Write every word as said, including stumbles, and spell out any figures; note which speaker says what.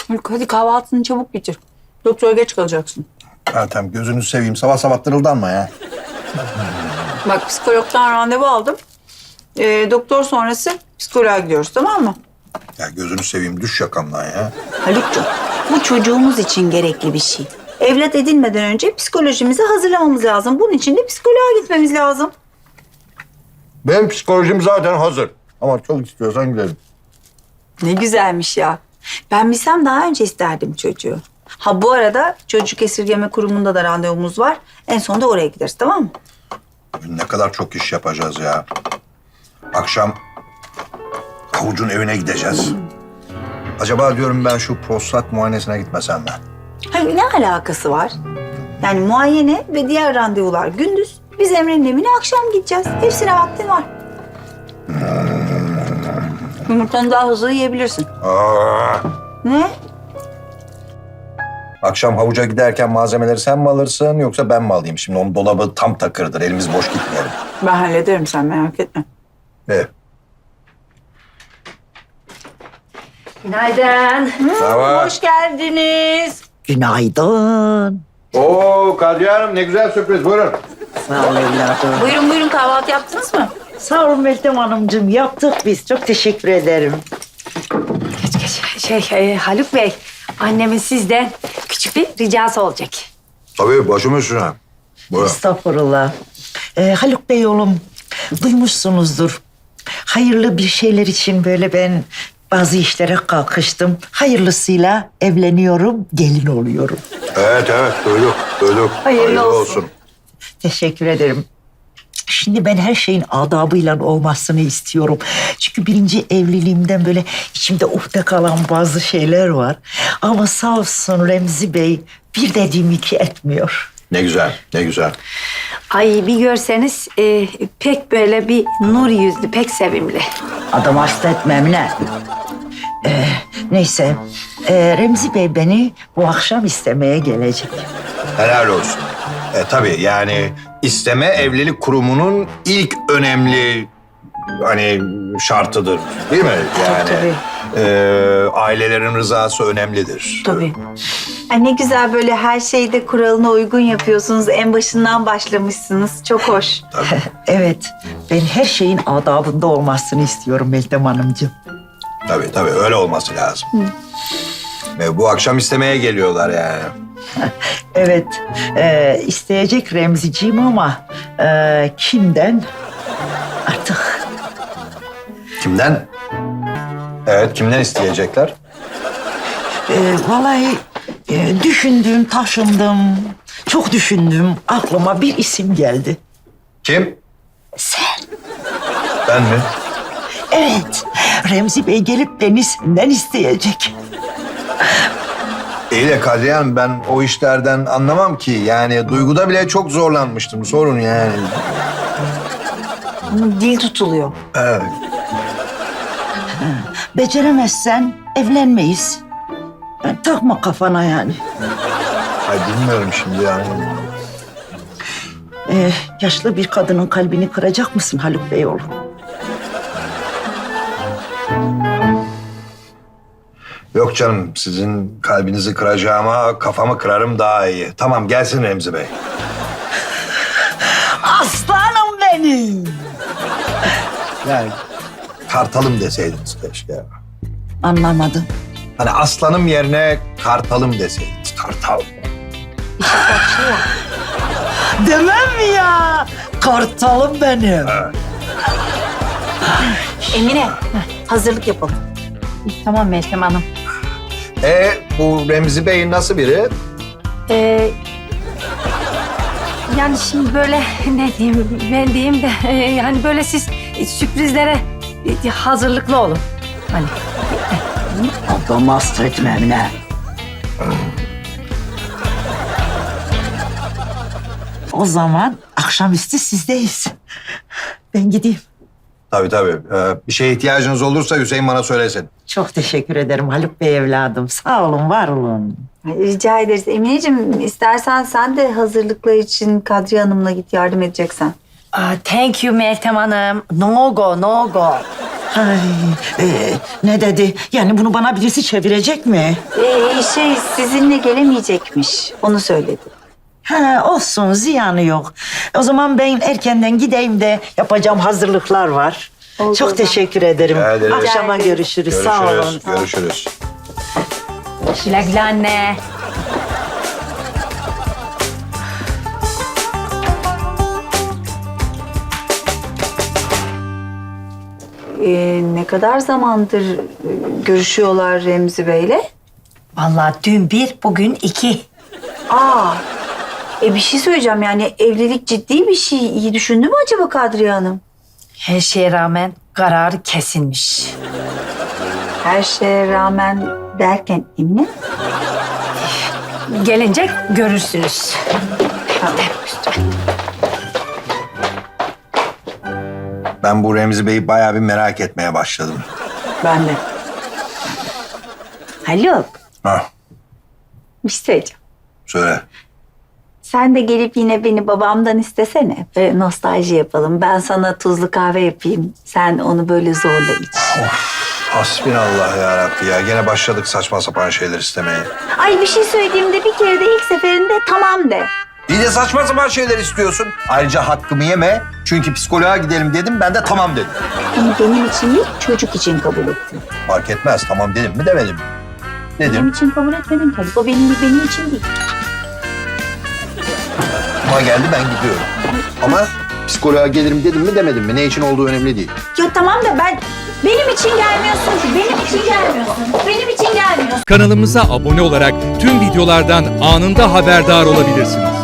Speaker 1: Haluk hadi kahvaltını çabuk bitir. Doktora geç kalacaksın.
Speaker 2: Meltem gözünü seveyim. Sabah sabah tırıldanma ya.
Speaker 1: Bak psikologdan randevu aldım. Ee, doktor sonrası psikoloğa gidiyoruz, tamam mı?
Speaker 2: Ya gözünü seveyim. Düş yakamdan ya.
Speaker 1: Haluk'cum bu çocuğumuz için gerekli bir şey. Evlat edinmeden önce psikolojimizi hazırlamamız lazım. Bunun için de psikoloğa gitmemiz lazım.
Speaker 2: Benim psikolojim zaten hazır. Ama çok istiyorsan gidelim.
Speaker 1: Ne güzelmiş ya. Ben bilsem daha önce isterdim çocuğu. Ha bu arada çocuk esirgeme kurumunda da randevumuz var. En sonunda oraya gideriz, tamam mı?
Speaker 2: Bugün ne kadar çok iş yapacağız ya. Akşam Havuç'un evine gideceğiz. Acaba diyorum ben şu prostat muayenesine gitmesem mi?
Speaker 1: Hayır, ne alakası var? Yani muayene ve diğer randevular gündüz. Biz Emre'nin evine akşam gideceğiz. Hepsine vaktin var. Yumurtanı daha hızlı yiyebilirsin.
Speaker 2: Aa,
Speaker 1: Ne?
Speaker 2: akşam Havuç'a giderken malzemeleri sen mi alırsın yoksa ben mi alayım? Şimdi onun dolabı tam takırdır. Elimiz boş gitmeyelim.
Speaker 1: Ben hallederim, sen merak etme.
Speaker 2: Evet.
Speaker 3: Günaydın.
Speaker 2: Merhaba.
Speaker 1: Hoş geldiniz.
Speaker 4: Günaydın.
Speaker 2: Oo Kadriye Hanım ne güzel sürpriz. Buyurun.
Speaker 4: Sağ ol evladım.
Speaker 1: Buyurun buyurun, kahvaltı yaptınız mı?
Speaker 4: Sağ olun Meltem Hanımcığım. Yaptık biz. Çok teşekkür ederim.
Speaker 3: Geç geç. Şey e, Haluk Bey, annemin sizden küçük bir ricası olacak.
Speaker 2: Tabii başım üstüne. Buyurun.
Speaker 4: Estağfurullah. Ee, Haluk Bey oğlum, duymuşsunuzdur. Hayırlı bir şeyler için böyle ben bazı işlere kalkıştım. Hayırlısıyla evleniyorum, gelin oluyorum.
Speaker 2: Evet evet duyduk duyduk.
Speaker 3: Hayırlı olsun.
Speaker 4: Teşekkür ederim. Şimdi ben her şeyin adabıyla olmasını istiyorum. Çünkü birinci evliliğimden böyle içimde uhde kalan bazı şeyler var. Ama sağ olsun Remzi Bey bir dediğim iki etmiyor.
Speaker 2: Ne güzel ne güzel.
Speaker 3: Ay bir görseniz e, pek böyle bir nur yüzlü, pek sevimli.
Speaker 4: Adam hasta etmem ne? Ee, neyse ee, Remzi Bey beni bu akşam istemeye gelecek.
Speaker 2: Helal olsun. E tabii yani isteme evlilik kurumunun ilk önemli hani şartıdır değil mi? Yani
Speaker 3: tabii.
Speaker 2: e, ailelerin rızası önemlidir.
Speaker 3: Tabii.
Speaker 1: Ay ne güzel, böyle her şeyde kuralına uygun yapıyorsunuz. En başından başlamışsınız. Çok hoş.
Speaker 4: Evet, ben her şeyin adabında olmasını istiyorum Meltem Hanımcığım.
Speaker 2: Tabii tabii öyle olması lazım. Ve bu akşam istemeye geliyorlar yani.
Speaker 4: Evet, e, isteyecek Remziciğim ama e, kimden? Artık
Speaker 2: Kimden? Evet kimden isteyecekler?
Speaker 4: e, vallahi e, düşündüm, taşındım, çok düşündüm. Aklıma bir isim geldi.
Speaker 2: Kim?
Speaker 4: Sen.
Speaker 2: Ben mi?
Speaker 4: Evet, Remzi Bey gelip beni senden isteyecek.
Speaker 2: İyi de Kadriye Hanım ben o işlerden anlamam ki. Yani duyguda bile çok zorlanmıştım. Sorun yani.
Speaker 1: Bunun dil tutuluyor.
Speaker 2: Evet.
Speaker 4: Beceremezsen evlenmeyiz. Yani takma kafana yani.
Speaker 2: Ay bilmiyorum şimdi yani.
Speaker 4: Ee, yaşlı bir kadının kalbini kıracak mısın Haluk Bey oğlum?
Speaker 2: Yok canım sizin kalbinizi kıracağıma kafamı kırarım daha iyi. Tamam gelsin Remzi Bey.
Speaker 4: Aslanım benim.
Speaker 2: Yani kartalım deseydiniz keşke.
Speaker 4: Anlamadım.
Speaker 2: Hani aslanım yerine kartalım deseydiniz. Kartal.
Speaker 4: Demem mi ya? Kartalım benim.
Speaker 1: Emine, hazırlık yapalım.
Speaker 3: Tamam Meltem Hanım.
Speaker 2: E bu Remzi Bey nasıl biri?
Speaker 3: Ee, yani şimdi böyle ne diyeyim, ben diyeyim de e, yani böyle siz sürprizlere e, hazırlıklı olun. Hani
Speaker 4: Adam hasta etmem ne? O zaman akşamüstü sizdeyiz. Ben gideyim.
Speaker 2: Tabii tabii. Ee, bir şeye ihtiyacınız olursa Hüseyin bana söylesin.
Speaker 4: Çok teşekkür ederim Haluk Bey evladım. Sağ olun, var olun.
Speaker 1: Rica ederiz. Emineciğim istersen sen de hazırlıklar için Kadriye Hanım'la git, yardım edeceksen.
Speaker 3: Aa, thank you Meltem Hanım. No go, no go.
Speaker 4: Ay, e, ne dedi? Yani bunu bana birisi çevirecek mi?
Speaker 1: Ee, şey sizinle gelemeyecekmiş. Onu söyledi.
Speaker 4: Ha, olsun, ziyanı yok. O zaman ben erkenden gideyim de yapacağım hazırlıklar var.
Speaker 1: Oldu
Speaker 4: Çok
Speaker 1: o zaman.
Speaker 4: teşekkür ederim.
Speaker 2: Rica ederiz.
Speaker 4: Akşama
Speaker 1: Rica
Speaker 4: görüşürüz.
Speaker 2: Görüşürüz.
Speaker 4: Sağ olun.
Speaker 2: Görüşürüz.
Speaker 3: Güle güle anne.
Speaker 1: Ee, ne kadar zamandır e, görüşüyorlar Remzi Bey'le?
Speaker 3: Vallahi dün bir, bugün iki.
Speaker 1: Aa, e bir şey söyleyeceğim yani evlilik ciddi bir şey. İyi düşündü mü acaba Kadriye Hanım?
Speaker 3: Her şeye rağmen kararı kesilmiş.
Speaker 1: Her şeye rağmen derken Emine?
Speaker 3: Gelince görürsünüz.
Speaker 2: Ben bu Remzi Bey'i bayağı bir merak etmeye başladım.
Speaker 1: Ben de. Haluk,
Speaker 2: Ha,
Speaker 1: bir şey söyleyeceğim.
Speaker 2: söyle.
Speaker 1: Sen de gelip yine beni babamdan istesene. Böyle nostalji yapalım. Ben sana tuzlu kahve yapayım. Sen onu böyle zorla iç.
Speaker 2: Hasbinallah ya Rabbi ya. Gene başladık saçma sapan şeyler istemeye.
Speaker 1: Ay bir şey söylediğimde bir kere de ilk seferinde tamam de.
Speaker 2: Bir de saçma sapan şeyler istiyorsun. Ayrıca hakkımı yeme. Çünkü psikoloğa gidelim dedim. Ben de tamam dedim.
Speaker 1: Bunu benim için değil, çocuk için kabul ettim.
Speaker 2: Fark etmez. Tamam dedim mi demedim mi?
Speaker 1: Benim
Speaker 2: Dedim.
Speaker 1: için kabul etmedin tabii. O benim benim için değil.
Speaker 2: Ama geldi ben gidiyorum. Ama psikoloğa gelirim dedim mi demedim mi? Ne için olduğu önemli değil.
Speaker 1: Ya tamam da ben benim için gelmiyorsun ki. Benim için gelmiyorsun. Benim için gelmiyorsun.
Speaker 5: Kanalımıza abone olarak tüm videolardan anında haberdar olabilirsiniz.